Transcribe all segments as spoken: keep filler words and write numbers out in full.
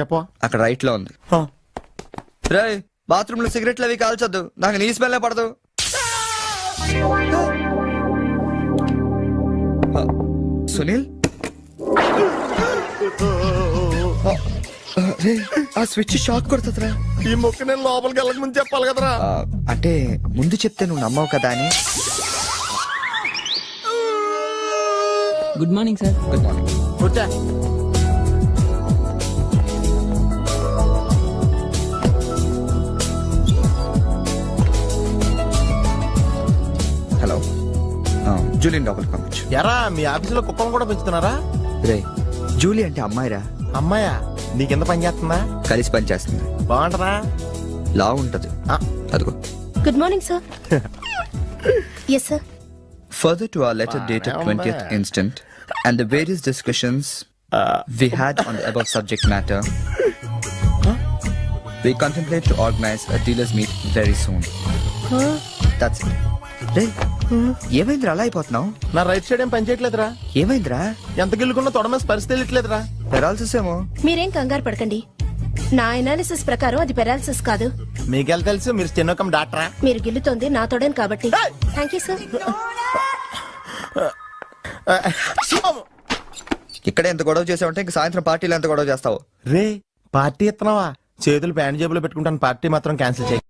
చెప్పవా? అక్కడ రైట్ లో ఉంది. రే బాత్రూమ్ లో సిగరెట్లు అవి కాల్చొద్దు, నాకు నీ స్మెల్ పడదు. సునీల్ రే ఆ స్విచ్ షాక్ కొడుతుందిరా. ఈ మొక్క నేను లోపలికి వెళ్ళక ముందు చెప్పాలి కదరా. అంటే ముందు చెప్తే నువ్వు నమ్మవు కదా అని. Good morning sir. Good morning. కూర్చో. హలో జూలియన్ లోపలికి పంపించు. ఎరా మీ ఆఫీసులో కుక్కను కూడా పెంచుతున్నారా? రే జూలీ అంటే అమ్మాయిరా. అమ్మాయా? నీ కింద పని చేస్తుందా? కలిసి పని చేస్తుంది. బాగుంటదా? లా ఉంటది. ఆ. అదిగో. Good morning sir. Yes sir. Further to our letter dated twentieth instant and the various discussions we had on the above subject matter, we contemplate to organize a dealers meet very soon. That's it. రే ఏమైందిరా అలా అయిపోతున్నావు? నా right side ఏం పని చేయట్లేదురా. ఏమైందిరా? ఎంత గిల్లుకున్నా తొడమే స్పర్శ తెలియట్లేదురా. Paralysis ఏమో. మీరేం కంగారు పడకండి, నా ఎనాలిసిస్ ప్రకారం అది పెరాలసిస్ కాదు. మీకెళ్ళ తెలుసు, మీరు స్టెనోకం డాక్టరా? మీరు గిల్లుతోంది నా తోడని కాబట్టి. Thank you sir. ఇక్కడ ఎంత గొడవ చేసావంటే ఇంక సాయంత్రం పార్టీలో ఎంత గొడవ చేస్తావు? రే పార్టీ ఇస్తున్నావా? చేతులు ప్యాంట్ జేబులో పెట్టుకుంటాను, పార్టీ మాత్రం క్యాన్సిల్ చేయ.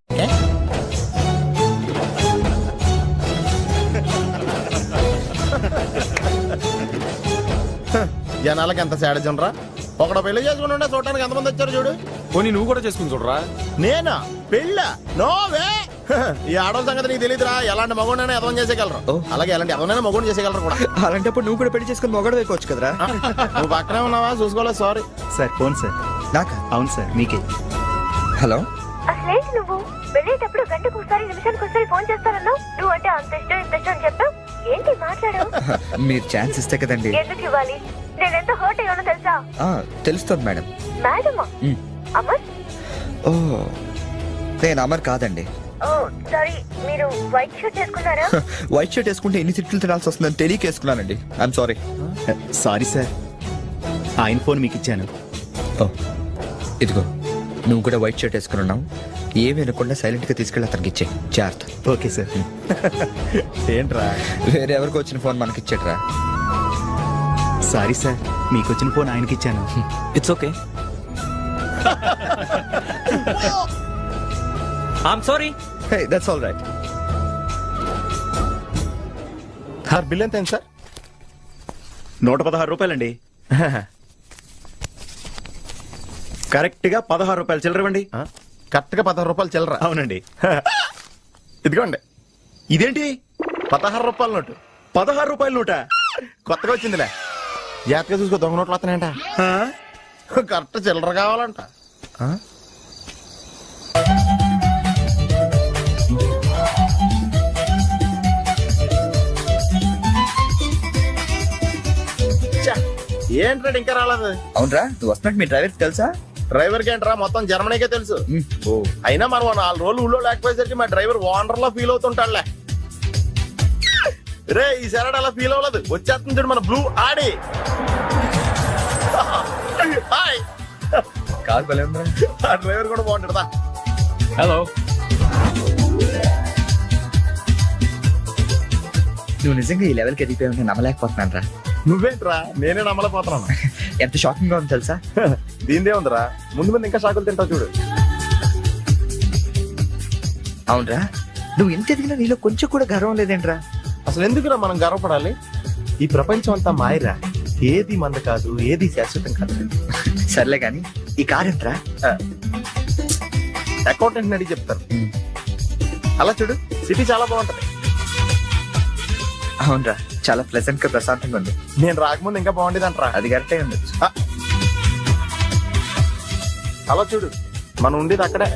జనాలకి ఎంత సేడజం రా. ఒకడు పెళ్లి చేసుకుంటుంటే చూడటానికి ఎంతమంది వచ్చారు చూడు. పోనీ నువ్వు కూడా చేసుకుని చూడరా. నేనా పెళ్ళ? నోవే. ఈ ఆడవాళ్ళ సంగతి నీకు తెలియదురా. ఎలాంటి మగోడైనా ఎదవం చేసేయగలరు, అలాగే ఎలాంటి ఎదవనైనా మగోడు చేసేయగలరు కూడా. అలాంటప్పుడు నువ్వు కూడా పెళ్లి చేసుకుని మొగడు వేయకోవచ్చు కదరా. నువ్వు పక్కనే ఉన్నావా? చూసుకోలేదు. Sorry sir. Phone sir. నాకా? అవును సార్, మీకే. హలో. అసలేంటి నువ్వు వెళ్ళేటప్పుడు గంటకు ఒకసారి నిమిషానికి ఒకసారి ఫోన్ చేస్తానన్నావు. నువ్వు అంటే అంత ఇష్టం ఇంత ఇష్టం అని చెప్పావు. ఏంటి మాట్లాడావు? మీరు ఛాన్స్ ఇస్తే కదండి. ఎందుకు ఇవ్వాలి? నేను ఎంత హర్ట్ అయ్యానో తెలుసా? తెలుస్తుంది మేడం. మేడమా? అమర్? ఓ నేను అమర్ కాదండి. ఓ సారీ, మీరు వైట్ షర్ట్ వేసుకున్నారా? వైట్ షర్ట్ వేసుకుంటే ఎన్ని తిట్లు తినాల్సి వస్తుందని తెలియక వేసుకున్నానండి. I'm sorry. సారీ సార్, ఆయన ఫోన్ మీకు ఇచ్చాను. ఓ ఇదిగో, నువ్వు కూడా వైట్ షర్ట్ వేసుకుని ఉన్నావు. ఏమి వినకుండా సైలెంట్ గా తీసుకెళ్ళి అతనికి ఇచ్చే జాగ్రత్త. Okay sir. ఏంట్రా? వేరే ఎవరికి వచ్చిన ఫోన్ మనకి ఇచ్చేట్రా. సారీ సార్, మీకు వచ్చిన ఫోన్ ఆయనకి ఇచ్చాను. It's okay. I'm sorry. Hey that's all right. Sir bill ఎంత సార్? నూట పదహారు రూపాయలండి. కరెక్ట్ గా పదహారు రూపాయలు చిల్లరవండి. కరెక్ట్ గా పదహారు రూపాయలు చిల్లర? అవునండి. ఇదిగోండి. ఇదేంటి? పదహారు రూపాయల నోటు. పదహారు రూపాయల నోట కొత్తగా వచ్చిందిలే. జాగ్రత్తగా చూసుకో, దొంగ నోట్లు వస్తున్నాయంట. కరెక్ట్ చిల్లర కావాలంట. ఏంట్రా ఇంకా రాలేదు? అవునరా, నువ్వు వస్తున్నట్టు మీ డ్రైవర్ తెలుసా? డ్రైవర్ కి ఏంట్రా, మొత్తం జర్మనీకే తెలుసు. అయినా మనం నాలుగు రోజులు ఊళ్ళో లేకపోయేసరికి మా డ్రైవర్ ఓనర్ లో ఫీల్ అవుతుంటాడులే. రే ఈ సరడ్ అలా ఫీల్ అవ్వలేదు, వచ్చేస్తుంది చూడు మన బ్లూ ఆడి. హాయ్. కాదు భలే ఉందా? ఆ డ్రైవర్ కూడా బాగుంటాడా? హలో. నువ్వు నిజంగా ఈ లెవెల్కి ఎదిగిపోయావు, నేను నమ్మలేకపోతున్నాను రా. నువ్వేంట్రా, నేనే నమ్మలేకపోతున్నాను. ఎంత షాకింగ్ గా ఉంది తెలుసా? దీనిదే ఉందిరా, ముందు ముందు ఇంకా షాకులు తింటావు చూడు. అవునరా, నువ్వు ఎంత ఎదిగినా నీలో కొంచెం కూడా గర్వం లేదేంట్రా? అసలు ఎందుకురా మనం గర్వపడాలి? ఈ ప్రపంచం అంతా మాయరా, ఏది మంద కాదు, ఏది శాశ్వతం కాదు. సర్లే గాని ఈ కార్ ఎంతరా? అకౌంటెంట్ అడిగి చెప్తారు. అలా చూడు, సిటీ చాలా బాగుంటది. అవునరా, చాలా ప్లెజెంట్ గా ప్రశాంతంగా ఉంది. నేను రాకముందు ఇంకా బాగుండేదంటరా. అది కరెక్టే ఉండొచ్చు. అలా చూడు, మనం ఉండేది అక్కడే.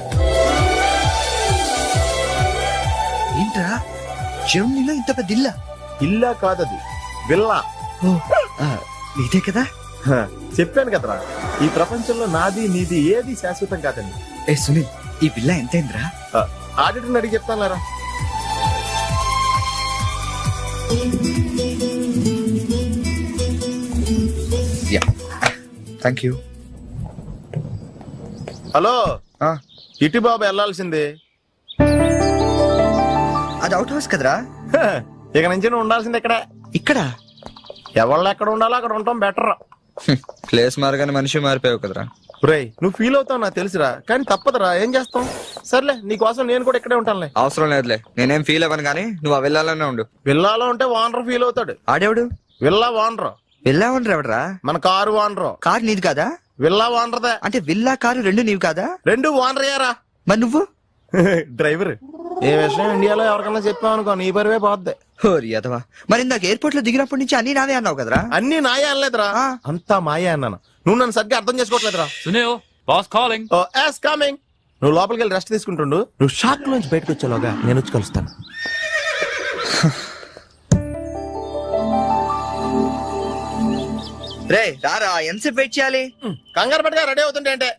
ఏంట్రా, జర్మనీలో ఇంత పెద్ద ఇల్లా? ఇల్లా కాదది, విల్లా. నీదే కదా? చెప్పాను కదరా, ఈ ప్రపంచంలో నాది నీది ఏది శాశ్వతం కాదని. ఏ సునీల్, ఈ విల్లా ఎంతైందిరా? ఆడిటర్ అడిగి చెప్తాను లేరా. Yeah, thank you. హలో ఆ, ఇటు బాబు వెళ్ళాల్సింది. అది అవుట్ హౌస్ కదరా. హ, ఇక నుంచి నువ్వు ఉండాల్సింది ఇక్కడ. ఇక్కడ ఎవళ్ళు ఎక్కడ ఉండాలో అక్కడ ఉండటం బెటర్. ప్లేస్ మారగానే మనిషి మారిపోయావు కదరా. రేయ్ నువ్వు ఫీల్ అవుతావు నాకు తెలుసురా, కానీ తప్పదురా, ఏం చేస్తాం. సర్లే నీకోసం నేను కూడా ఇక్కడే ఉంటానులే. అవసరం లేదులే, నేనేం ఫీల్ అవ్వను కానీ నువ్వు ఆ వెళ్ళాలనే ఉండు. విల్లాలో ఉంటే వానర్ ఫీల్ అవుతాడు. ఆడేవుడు విల్లా వానరు వెళ్ళావని ఎవడరా? మన కారు వానరు. కారు నీది కాదా? విల్లా వానరదే. అంటే విల్లా కారు రెండు నీవి కాదా? రెండు వానర్ అయ్యారా. మరి నువ్వు డ్రైవర్. ఏ విషయం ఇండియాలో ఎవరికన్నా చెప్పామనుకో నీ పరివే పోద్ది. హోరి అదవా. మరి ఇందాక ఎయిర్పోర్ట్ లో దిగినప్పటి నుంచి అన్ని నావే అన్నావు కదరా. అన్ని నాయే అనలేదురా, ఆ. అంతా మాయే అన్నాను. నువ్వు నన్ను సరిగ్గా అర్థం చేసుకోవట్లేదురా. Sunil boss calling. Oh yes coming. నువ్వు లోపలికి వెళ్ళి రెస్ట్ తీసుకుంటుండు. నువ్వు షాక్ నుంచి బయటకు వచ్చేలోగా నేను వచ్చి కలుస్తాను. రే రారా, ఎంతసేపు వెయిట్ చేయాలి? కంగారు పట్టుగా రెడీ అవుతుంటే అంటే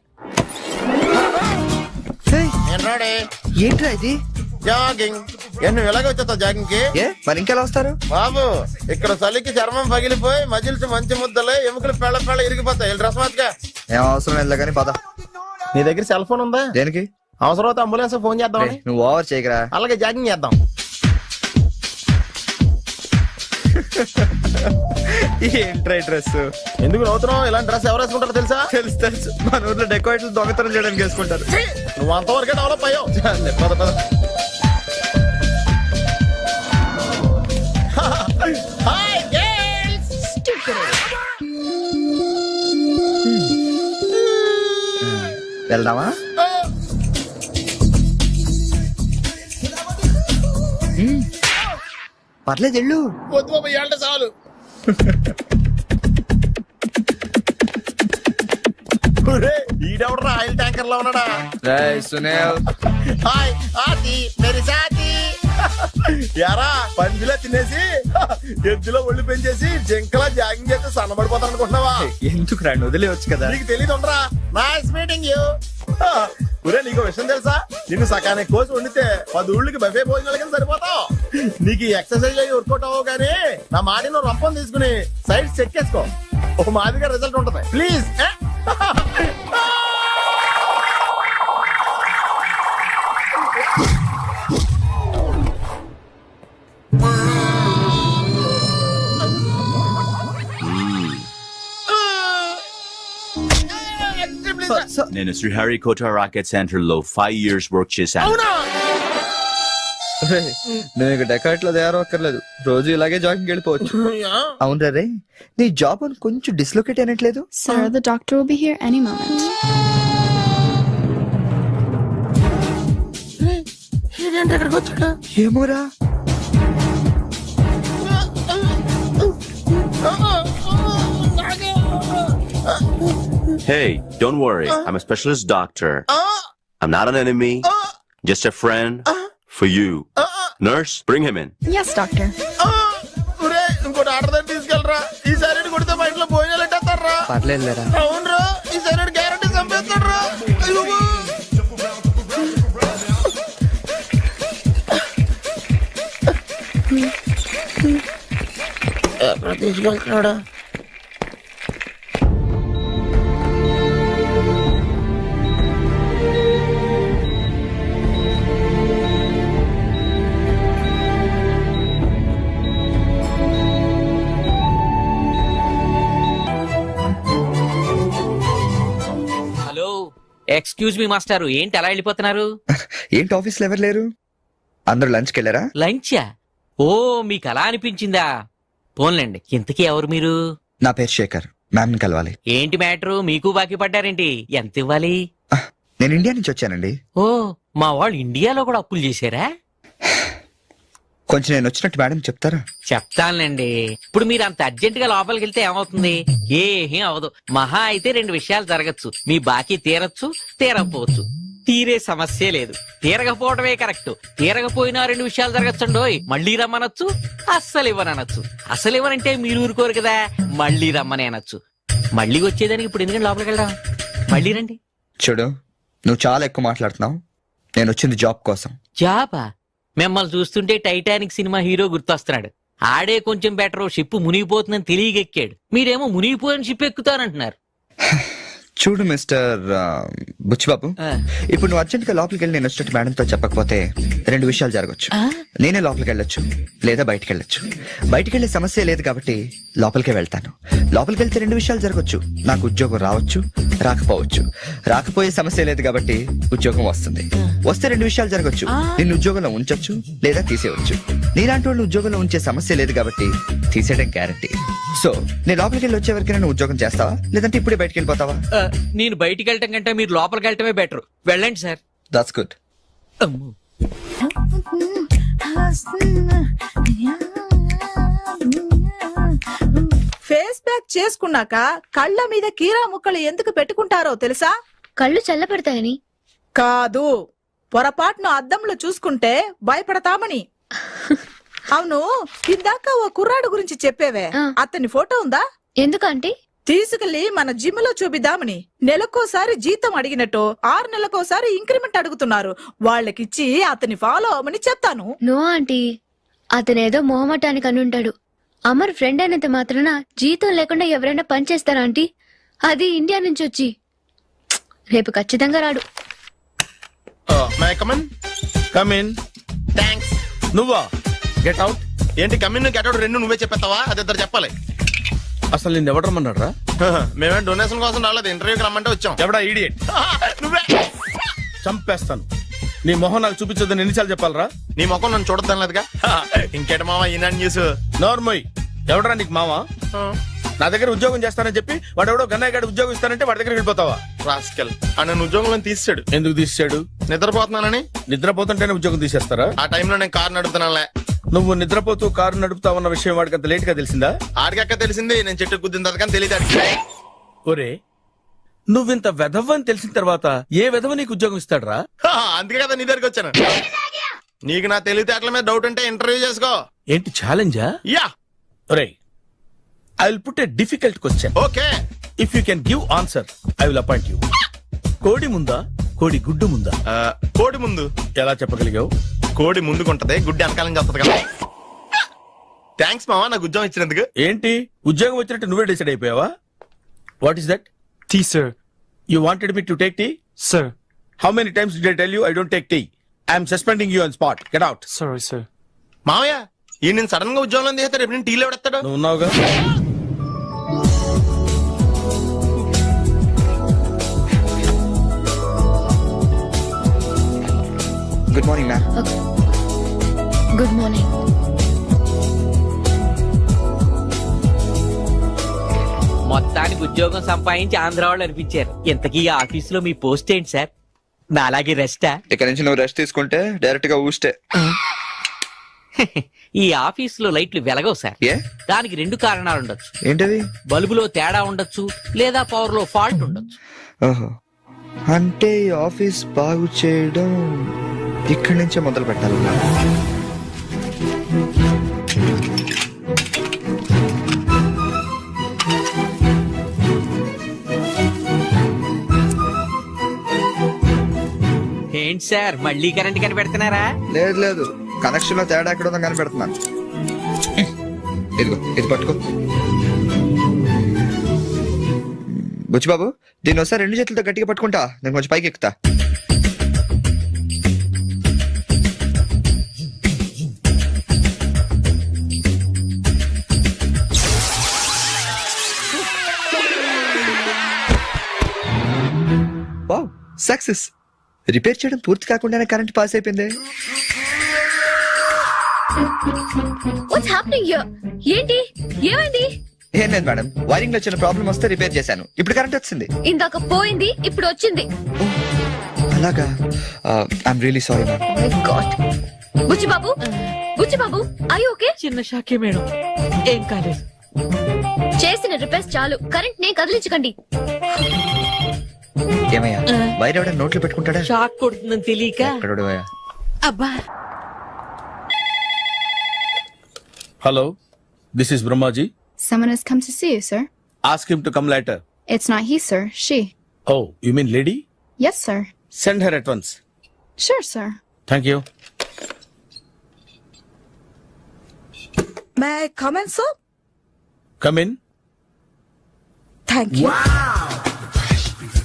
హే, నేను రెడీ. ఏంట్రా ఇది? జాగింగ్. ఏ నువ్వు ఎలాగ వచ్చేస్తావు జాగింగ్ కి? ఏ మరి ఇంకెలా వస్తారు? బాబు ఇక్కడ చలికి చర్మం పగిలిపోయి మజిల్స్ మంచి ముద్దలే ఎముకలు పెళ్ళ పెళ్ళ ఇరిగిపోతాయి. వెళ్ళి డ్రెస్ మార్చుగా. ఏం అవసరం లేదు కానీ పద. నీ దగ్గర సెల్ ఫోన్ ఉందా? దేనికి? అవసరం అయితే అంబులెన్స్ ఫోన్ రే, చేద్దామని. నువ్వు ఓవర్ చేయకరా. అలాగే జాగింగ్ చేద్దాం. ఏంట్రా డ్రెస్? ఎందుకు నవ్వుతున్నావు? ఇలాంటి డ్రెస్ ఎవరు వేసుకుంటారో తెలుసా? తెలుసు తెలుసు, మన ఊర్లో డెకరేట్లు దొంగతనం చేయడానికి వేసుకుంటారు. నువ్వు అంతవరకే డెవలప్ అయ్యావు. చాలే, పద పద. Hi girls. వెళ్దామా? హ్మ్. పర్లేదు వెళ్ళు. వద్దు బాబు, ఇవాళ చాలు. ఒరేయ్, ఈడెవడరా ఆయిల్ ట్యాంకర్ లో ఉన్నాడా? రేయ్ సునీల్. హాయ్ ఆతి మేరీ సాతి. యారా పందిలా తినేసి ఎద్దులో ఒళ్ళు పెంచేసి జింకలా జాగింగ్ చేస్తే సన్నబడిపోతాను అనుకుంటున్నావా? ఎందుకు రాండి, వదిలేవచ్చు కదా. నీకు తెలియదు ఉండరా. Nice meeting you. ఒరే నీకు విషయం తెలుసా? నిన్ను సకానికి కోసి వండితే పది ఊళ్ళకి బఫే భోజనాలకి సరిపోతావు. నీకు ఈ ఎక్సర్సైజ్ అయ్యి వర్కౌట్ అవ్వవు కానీ నా మాటి నువ్వు రంపం తీసుకుని సైడ్ చెక్ చేసుకో. ఒక మాదిరిగా రిజల్ట్ ఉంటుంది. ప్లీజ్. నేను శ్రీహరికోట రాకెట్ సెంటర్ లో ఫైవ్ ఇయర్స్ వర్క్ చేశాను. అవునా? రేయ్, నువ్వు ఇక డెకాట్ లో తయారవక్కర్లేదు, రోజు ఇలాగే జాగింగ్ వెళ్ళిపోవచ్చు. అవును రే, నీ జాబ్ అని కొంచెం డిస్లొకేట్ అయినట్లేదు? Sir, the doctor will be here any moment. ఏమోరా. Hey, don't worry. I'm a specialist doctor. I'm not an enemy. Just a friend for you. Nurse, bring him in. Yes, doctor. ఒరే ఇంకోటి order దగ్గర తీసుకెళ్ళరా. ఈసారి కొడితే మా ఇంట్లో భోజనాలు ఎట్టేస్తారా? పర్లేదురా. అవునరా, ఈసారి గ్యారంటీ చంపేస్తాడరా. ఎక్కడ తీసుకెళ్తున్నాడా? హలో, ఎక్స్క్యూజ్ మీ మాస్టారు, ఏంటి అలా వెళ్ళిపోతున్నారు? ఏంటి ఆఫీస్ లో ఎవరు లేరు? అందరూ లంచ్కి వెళ్ళారా? లంచా? ఓ, మీకు అలా అనిపించిందా? పోన్లేండి, ఇంతకీ ఎవరు మీరు? నా పేరు శేఖర్, మ్యామ్ ని కలవాలి. ఏంటి మ్యాటరు, మీకు బాకీ పడ్డారేంటి? ఎంత ఇవ్వాలి? ఆహ్, నేను ఇండియా నుంచి వచ్చానండి. ఓ, మా వాళ్ళు ఇండియాలో కూడా అప్పులు చేశారా? కొంచెం నేను వచ్చినట్టు మేడం చెప్తారా? చెప్తానులేండి. ఇప్పుడు మీరు అంత అర్జెంట్ గా లోపలికి వెళ్తే ఏమవుతుంది? ఏమీ అవదు. మహా అయితే రెండు విషయాలు జరగచ్చు. మీ బాకీ తీరచ్చు, తీరకపోవచ్చు. తీరే సమస్య లేదు, తీరకపోవడమే కరెక్ట్. తీరకపోయినా రెండు విషయాలు జరగచ్చండోయ్. మళ్ళీ రమ్మనొచ్చు, అస్సలు ఇవ్వనొచ్చు. అసలు ఇవ్వనంటే మీరు ఊరుకోరు కదా, మళ్ళీ రమ్మని అనొచ్చు. మళ్ళీ వచ్చేదానికి ఇప్పుడు ఎందుకంటే లోపలికి వెళ్దాం. మళ్ళీ రండి. చూడు, నువ్వు చాలా ఎక్కువ మాట్లాడుతున్నావు. నేను వచ్చింది జాబ్ కోసం. జాబా? మిమ్మల్ని చూస్తుంటే టైటానిక్ సినిమా హీరో గుర్తొస్తున్నాడు. ఆడే కొంచెం బెటర్, షిప్ మునిగిపోతుందని తెలియగెక్కాడు. మీరేమో మునిగిపోయిన షిప్ ఎక్కుతానంటున్నారు. చూడు మిస్టర్ ఆ, బుచ్చిబాబు ఇప్పుడు నువ్వు అర్జెంట్ గా లోపలికి వెళ్ళి నేను వచ్చినట్టు మేడంతో చెప్పకపోతే రెండు విషయాలు జరగచ్చు. నేనే లోపలికి వెళ్ళొచ్చు లేదా బయటికి వెళ్ళొచ్చు. బయటికి వెళ్ళే సమస్య లేదు కాబట్టి లోపలికే వెళ్తాను. లోపలికి వెళ్తే రెండు విషయాలు జరగచ్చు. నాకు ఉద్యోగం రావచ్చు, రాకపోవచ్చు. రాకపోయే సమస్య లేదు కాబట్టి ఉద్యోగం వస్తుంది. వస్తే రెండు విషయాలు జరగచ్చు. నిన్ను ఉద్యోగంలో ఉంచొచ్చు లేదా తీసేయవచ్చు. నీలాంటి వాళ్ళు ఉద్యోగంలో ఉంచే సమస్య లేదు కాబట్టి తీసేయడం గ్యారంటీ. సో నేను లోపలికి వెళ్ళి వచ్చే వరకు నేను ఉద్యోగం చేస్తావా లేదంటే ఇప్పుడే బయటికి వెళ్ళిపోతావా? ఆ, నేను బయటికి వెళ్ళటం కంటే మీరు లోపలికి వెళ్ళటమే బెటర్. వెళ్ళండి sir. That's good. Face pack చేసుకున్నాక కళ్ళ మీద కీరా ముక్కలు ఎందుకు పెట్టుకుంటారో తెలుసా? కళ్ళు చల్లబడతాయని. కాదు, పొరపాటును అద్దంలో చూసుకుంటే భయపడతామని. అవును, ఇందాక ఓ కుర్రాడు గురించి చెప్పేవే, ఆ. అతని ఫోటో ఉందా? ఎందుకంటే తీసుకెళ్లి మన జిమ్ లో చూపిద్దామని. నెలకోసారి జీతం అడిగినట్టు ఆరు నెలకోసారి ఇంక్రిమెంట్ అడుగుతున్నారు. వాళ్ళకిచ్చి అతని ఫాలో అవ్వమని చెప్తాను. నో ఆంటీ, అతనేదో మొహమాటానికి అనుంటాడు. అమర్ ఫ్రెండ్ అయినంత మాత్రాన జీతం లేకుండా ఎవరైనా పనిచేస్తారా ఆంటీ? అది ఇండియా నుంచి వచ్చి. రేపు ఖచ్చితంగా రాడు. My come on come in. థ్యాంక్స్. నువ్వా? Get out. ఏంటి కమిన్ గెటౌట్ రెండు నువ్వే చెప్పేస్తావా? అది ఇద్దరు చెప్పాలి. అసలు నేను ఎవరు రమ్మన్నాడు రా? మేమే డొనేషన్ కోసం రాలేదు, ఇంటర్వ్యూకి రమ్మంటే వచ్చాం. ఎవడా ఈడియట్? నువ్వే. చంపేస్తాను. నీ మొహం నాకు చూపించొద్దని ఎన్నిసార్లు చెప్పాలరా? నీ ముఖం నన్ను చూడద్దాం లేదుగా. ఇంకేట మామ ఈనాడు న్యూస్. నోర్మోయ్. ఎవడరా నీకు మావా? నా దగ్గర ఉద్యోగం చేస్తానని చెప్పి వాడు ఎవడో గన్నయ్య గారి ఉద్యోగం ఇస్తానంటే వాడి దగ్గర వెళ్ళిపోతావా? రాస్కెల్ ఆ నన్ను ఉద్యోగంలో తీసాడు. ఎందుకు తీసాడు? నిద్రపోతున్నానని. నిద్రపోతుంటేనే ఉద్యోగం తీసేస్తారా? ఆ టైంలో నేను కారు నడుపుతున్నానులే. నువ్వు నిద్రపోతూ కారు నడుపుతావన్న విషయం వాడికి అంత లేట్ గా తెలిసిందా? ఆడికక్క తెలిసింది, నేను చెట్టు గుద్దిన తర్వాత కానీ తెలియదు ఆడికి. ఒరే, నువ్వింత వెధవ్ అని తెలిసిన తర్వాత ఏ వెధవ నీకు ఉద్యోగం ఇస్తాడరా? హా, అందుకే కదా నీ దగ్గరికి వచ్చాను. నీకు నా తెలివితేటల మీద డౌట్ ఉంటే ఇంటర్వ్యూ చేసుకో. ఏంటి ఛాలెంజా? యా. ఒరే, I will put a difficult question. Okay. If you can give answer I will appoint you. కోడి ముందా, కోడి గుడ్డు ముందా? ఆ, కోడి ముందు. ఎలా చెప్పగలిగావు? కోడి ముందుకుంటది, గుడ్డి వెనకాలం చేస్తుంది కదా. థ్యాంక్స్ మావా నాకు ఉద్యోగం ఇచ్చినందుకు. ఏంటి ఉద్యోగం వచ్చినట్టు నువ్వే డిసైడ్ అయిపోయావా? What is that? Tea sir. You wanted me to take tea? Sir. How many times did I tell you I don't take tea? I'm suspending you on spot. Get out. Sorry sir. మావయ్య ఈ నేను sudden గా ఉద్యోగంలో తీస్తే రేపు నేను టీలో పెడతాడు. నువ్వు ఉన్నావుగా. Good morning ma'am. Good morning. మొత్తానికి ఉద్యోగం సంపాదించి ఆంధ్ర వాళ్ళు అనిపించారు. ఇంతకీ ఈ ఆఫీసులో మీ పోస్ట్ ఏంటి సార్? నా అలాగే రెస్టా? ఇక్కడ నుంచి నువ్వు రెస్ట్ తీసుకుంటే డైరెక్ట్ గా ఊస్తే. ఈ ఆఫీసులో లైట్లు వెలగవు సార్. ఏ? దానికి రెండు కారణాలు ఉండొచ్చు. ఏంటది? బల్బులో తేడా ఉండొచ్చు లేదా పవర్ లో ఫాల్ట్ ఉండొచ్చు. ఓహో, అంటే ఈ ఆఫీస్ బాగు చేయడం ఇక్కడి నుంచే మొదలు పెట్టాలి. ఏంటి సార్ మళ్ళీ కరెంట్ కనిపెడుతున్నారా? లేదు లేదు, కనెక్షన్ లో తేడా ఎక్కడ ఉందో కనిపెడుతున్నాను. ఇదిగో ఇది పట్టుకో. బుచ్చిబాబు, దీన్ని ఒకసారి రెండు చేతులతో గట్టిగా పట్టుకుంటా, నేను కొంచెం పైకి ఎక్కుతా. Wow, success. రిపేర్ చేయడం పూర్తి కాకుండానే కరెంట్ పాస్ అయిపోయింది. What's happening here? ఏంటి ఏమైంది? ఏం లేదు మేడం, వైరింగ్ లో చిన్న ప్రాబ్లం వస్తే రిపేర్ చేశాను. ఇప్పుడు కరెంట్ వచ్చింది. ఇందాక పోయింది, ఇప్పుడు వచ్చింది. అలాగా? I'm really sorry madam. My god. Buchibabu, Buchibabu, I okay? చిన్న షాకే మేడం, ఏం కాలేదు. చేసిన రిపేర్స్ చాలు, కరెంట్ నే కదిలించకండి. ఏమయ్యా, వైర్ ఎవడ నోట్లో పెట్టుకుంటాడా? షాక్ కొడుతుందని తెలియక. ఎక్కడోడవయ్యా? అబ్బా. Hello, this is Brahmaji. Someone has come to see you, sir. Ask him to come later. It's not he, sir. She. Oh, you mean lady? Yes, sir. Send her at once. Sure, sir. Thank you. May I come in sir? Come in. Thank you.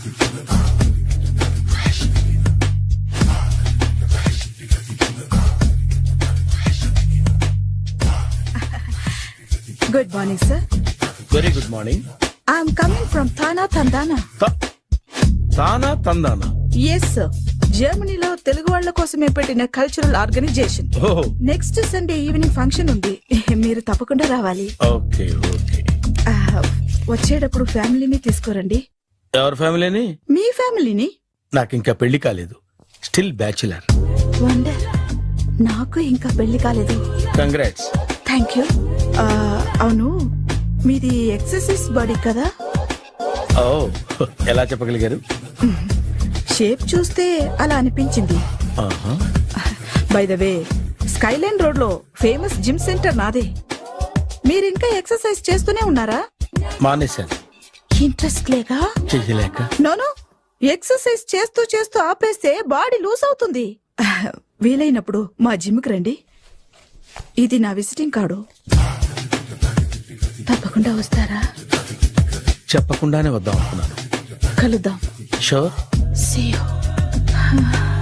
Good morning sir. Very good morning. I'm coming from థానా తందానా. తానా తందానా. Yes sir, జర్మనీలో తెలుగు వాళ్ళ కోసమే పెట్టిన cultural organisation. ఓహో, next Sunday evening function ఉంది, మీరు తప్పకుండా రావాలి. Okay okay. ఆ, వచ్చేటప్పుడు ఫ్యామిలీని తీసుకురండి. ఎవరి ఫ్యామిలీని? మీ ఫ్యామిలీని. నాకు ఇంకా పెళ్లి కాలేదు, స్టిల్ బ్యాచులర్. వండర్, నాకు ఇంకా పెళ్లి కాలేదు. కంగ్రాట్స్. Thank you. అవును, మీది ఎక్సర్సైజ్ బాడీ కదా? ఓ, ఎలా చెప్పగలిగారు? షేప్ చూస్తే అలా అనిపించింది. ఆహా. By the way, skyline road లో ఫేమస్ జిమ్ సెంటర్ నాదే. మీరు ఇంకా ఎక్సర్సైజ్ చేస్తూనే ఉన్నారా? మానేశాను, ఇంట్రెస్ట్ లేగా? చెయ్యలేక. నోను, ఎక్సర్సైజ్ చేస్తూ చేస్తూ ఆపేస్తే బాడీ లూజ్ అవుతుంది. వీలైనప్పుడు మా జిమ్కి రండి. ఇది నా విజిటింగ్ కార్డు. తప్పకుండా వస్తారా? చెప్పకుండానే వద్దాం అనుకున్నాను. కలుద్దాం. షూర్. See you.